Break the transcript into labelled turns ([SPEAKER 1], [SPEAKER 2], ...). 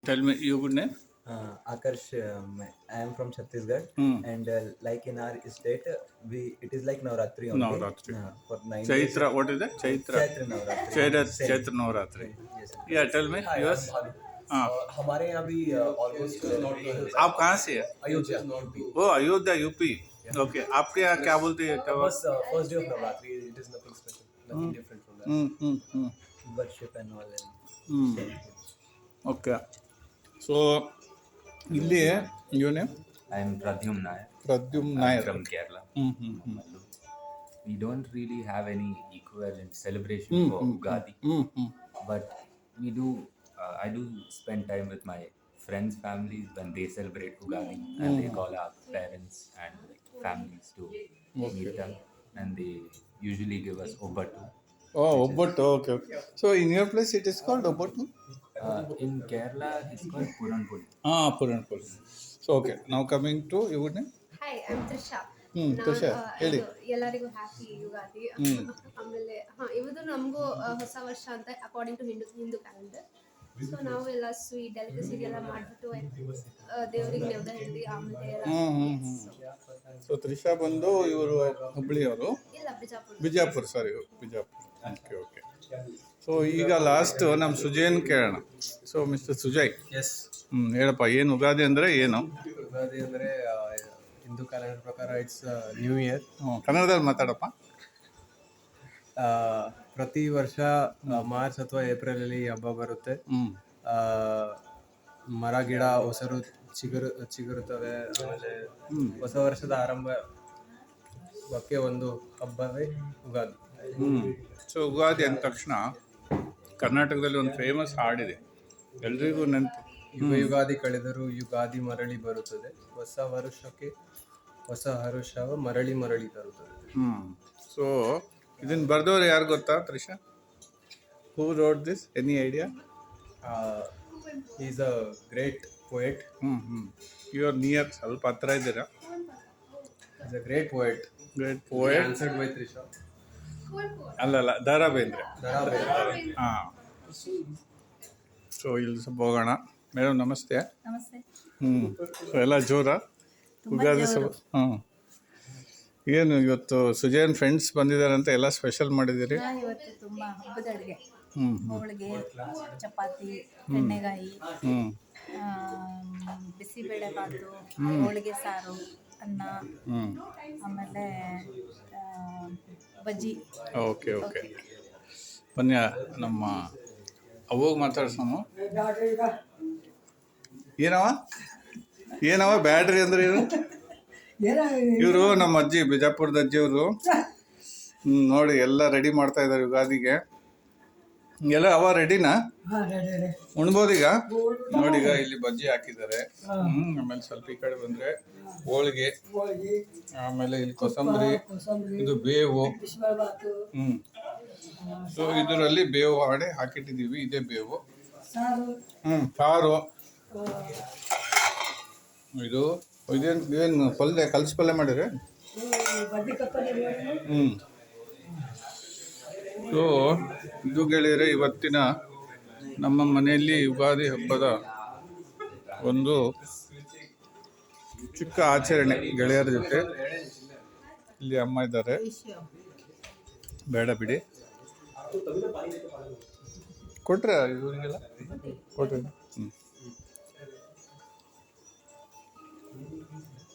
[SPEAKER 1] Tell me your good name.
[SPEAKER 2] Akarsh, I am from Chhattisgarh, and like in our state, it is like Navratri only.
[SPEAKER 1] Navratri.
[SPEAKER 2] For 9 days.
[SPEAKER 1] Chaitra. What is that? Chaitra.
[SPEAKER 2] Chaitra Navratri.
[SPEAKER 1] Chaitra Navratri.
[SPEAKER 2] Yes.
[SPEAKER 1] Yeah. Tell me
[SPEAKER 3] Hi,
[SPEAKER 1] yours.
[SPEAKER 3] I'm Bhanu.
[SPEAKER 1] हाँ.
[SPEAKER 3] हमारे यहाँ भी almost
[SPEAKER 1] आप कहाँ से है?
[SPEAKER 3] अयोध्या
[SPEAKER 1] वो Ayodhya UP. Okay. आपके यहाँ क्या बोलते हैं? क्या
[SPEAKER 3] बस first day of Navratri. It is nothing special, nothing different from that.
[SPEAKER 2] Worship and all.
[SPEAKER 1] Okay. So ಇಲ್ಲಿ your name?
[SPEAKER 4] I am Pradyum Nair.
[SPEAKER 1] Pradyum
[SPEAKER 4] I'm
[SPEAKER 1] Nair.
[SPEAKER 4] from Kerala. We don't really have any equivalent celebration for Ugadi, but we do. I do spend time with my friends' families when they celebrate Ugadi, and they call our parents and families to meet them, and they usually give us obatu.
[SPEAKER 1] Oh, Obottu. Okay, okay. So in your place it is called Obottu?
[SPEAKER 4] In Kerala, it's called Puranpuli.
[SPEAKER 1] Puranpuli. So okay, now coming to your name?
[SPEAKER 5] Hi I am Trisha.
[SPEAKER 1] Trisha, ಹೇಳಿ.
[SPEAKER 5] ಎಲ್ಲರಿಗೂ happy Ugadi. ಆಮೇಲೆ ಇವತ್ತು ನಮಗೂ ಹೊಸ ವರ್ಷ ಅಂತ according to Hindu calendar. So ನಾವು ಎಲ್ಲ ಸ್ವೀಟ್ ಡೆಲಿಕಸಿ ಎಲ್ಲ ಮಾಡಿಬಿಟ್ಟು ದೇವರಿಗೆ ನೆವದ ಹಿಡಿದು ಆಮೇಲೆ
[SPEAKER 1] ಸೊ ತ್ರಿಷಾ ಬಂದು ಇವರು ಹುಬ್ಳಿಯವರು.
[SPEAKER 5] ಇಲ್ಲ Bijapur.
[SPEAKER 1] Bijapur. Okay okay. So ಈಗ ಲಾಸ್ಟ್ ನಮ್ಮ ಸುಜಯನ್ ಕೇಳೋಣ. So mister Sujay.
[SPEAKER 3] ಎಸ್.
[SPEAKER 1] ಹೇಳಪ್ಪ, ಏನು ಯುಗಾದಿ ಅಂದರೆ ಏನು?
[SPEAKER 3] ಯುಗಾದಿ ಅಂದರೆ ಹಿಂದೂ ಕ್ಯಾಲೆಂಡರ್ ಪ್ರಕಾರ ಇಟ್ಸ್ ನ್ಯೂ ಇಯರ್.
[SPEAKER 1] ಕನ್ನಡದಲ್ಲಿ ಮಾತಾಡಪ್ಪ.
[SPEAKER 3] ಪ್ರತಿ ವರ್ಷ ಮಾರ್ಚ್ ಅಥವಾ ಏಪ್ರಿಲ್ ಅಲ್ಲಿ ಹಬ್ಬ ಬರುತ್ತೆ. ಮರ ಗಿಡ ಹೊಸರು ಚಿಗುರುತ್ತವೆ. ಆಮೇಲೆ ಹೊಸ ವರ್ಷದ ಆರಂಭಕ್ಕೆ ಒಂದು ಹಬ್ಬವೇ ಯುಗಾದಿ.
[SPEAKER 1] ಸೊ ಯುಗಾದಿ ಅಂದ ತಕ್ಷಣ ಕರ್ನಾಟಕದಲ್ಲಿ ಒಂದು ಫೇಮಸ್ ಹಾಡಿದೆ, ಎಲ್ರಿಗೂ ನೆನಪು.
[SPEAKER 3] ಯುಗಾದಿ ಕಳೆದರೂ ಯುಗಾದಿ ಮರಳಿ ಬರುತ್ತದೆ, ಹೊಸ ವರುಷಕ್ಕೆ ಹೊಸ ಹರುಷವ ಮರಳಿ ಮರಳಿ ತರುತ್ತದೆ.
[SPEAKER 1] ಸೊ ಇದನ್ನು ಬರೆದವ್ರು ಯಾರು ಗೊತ್ತಾ Trisha? Who wrote this? Any idea?
[SPEAKER 3] Is a great poet.
[SPEAKER 1] You are near, ಸ್ವಲ್ಪ ಹತ್ರ ಇದ್ದೀರಾ?
[SPEAKER 3] Is a great poet.
[SPEAKER 1] Great poet.
[SPEAKER 3] Answered by Trisha.
[SPEAKER 1] ಅಲ್ಲಲ್ಲ, ದ ರಾ ಬೇಂದ್ರೆ. ಹಾಂ. ಸೊ ಇಲ್ಲಿ ಸ್ವಲ್ಪ ಹೋಗೋಣ. ಮೇಡಮ್ ನಮಸ್ತೆ.
[SPEAKER 6] ನಮಸ್ತೆ.
[SPEAKER 1] ಸೊ ಎಲ್ಲ ಜೋರ ಯುಗಾದಿ ಏನು ಇವತ್ತು ಸುಜಯನ್ ಫ್ರೆಂಡ್ಸ್ ಬಂದಿದ್ದಾರೆ ಅಂತ ಎಲ್ಲ ಸ್ಪೆಷಲ್ ಮಾಡಿದ್ದೀರಿ?
[SPEAKER 6] ಇವತ್ತು ತುಂಬ ಹಬ್ಬದ ಅಡುಗೆ, ಹೋಳಿಗೆ, ಚಪಾತಿ, ಎಣ್ಣೆಗಾಯಿ, ಬಿಸಿಬೇಳೆ ಬಾತು, ಹೋಳಿಗೆ ಸಾರು, ಅನ್ನ, ಆಮೇಲೆ ಬಜ್ಜಿ.
[SPEAKER 1] Okay okay. ಬನ್ನಿ ನಮ್ಮ ಅವಾಗ ಮಾತಾಡ್ಸೋಣ. ಏನವ ಬ್ಯಾಡ್ರಿ ಅಂದ್ರೆ ಇವರು ನಮ್ಮ ಅಜ್ಜಿ, ಬಿಜಾಪುರದ ಅಜ್ಜಿಯವರು. ನೋಡಿ ಎಲ್ಲ ರೆಡಿ ಮಾಡ್ತಾ ಇದ್ದಾರೆ ಯುಗಾದಿಗೆ. ಎಲ್ಲ ಅವ ರೆಡಿನಾ? ಉಣ್ಬೋದೀಗ? ನೋಡಿ, ಈಗ ಇಲ್ಲಿ ಬಜ್ಜಿ ಹಾಕಿದ್ದಾರೆ. ಆಮೇಲೆ ಸ್ವಲ್ಪ ಈ ಕಡೆ ಬಂದ್ರೆ ಹೋಳಿಗೆ, ಆಮೇಲೆ ಇಲ್ಲಿ ಕೊಸಂಬರಿ, ಇದು ಬೇವು. ಸೊ ಇದರಲ್ಲಿ ಬೇವು ಹಾಡಿ ಹಾಕಿಟ್ಟಿದ್ದೀವಿ. ಇದೇ ಬೇವು. ಸಾರು. ಇದೇನು ಪಲ್ಯ, ಕಲಸಿ ಪಲ್ಯ ಮಾಡಿರಿ? ಸೊ ಇದು ಗೆಳೆಯರೆ ಇವತ್ತಿನ ನಮ್ಮ ಮನೆಯಲ್ಲಿ ಯುಗಾದಿ ಹಬ್ಬದ ಒಂದು ಚಿಕ್ಕ ಆಚರಣೆ ಗೆಳೆಯರ ಜೊತೆ. ಇಲ್ಲಿ ಅಮ್ಮ ಇದ್ದಾರೆ, ಬೇಡ ಬಿಡಿ. ಕೊಟ್ರೆ ಇವರಿಗೆಲ್ಲ ಕೊಟ್ರಿ.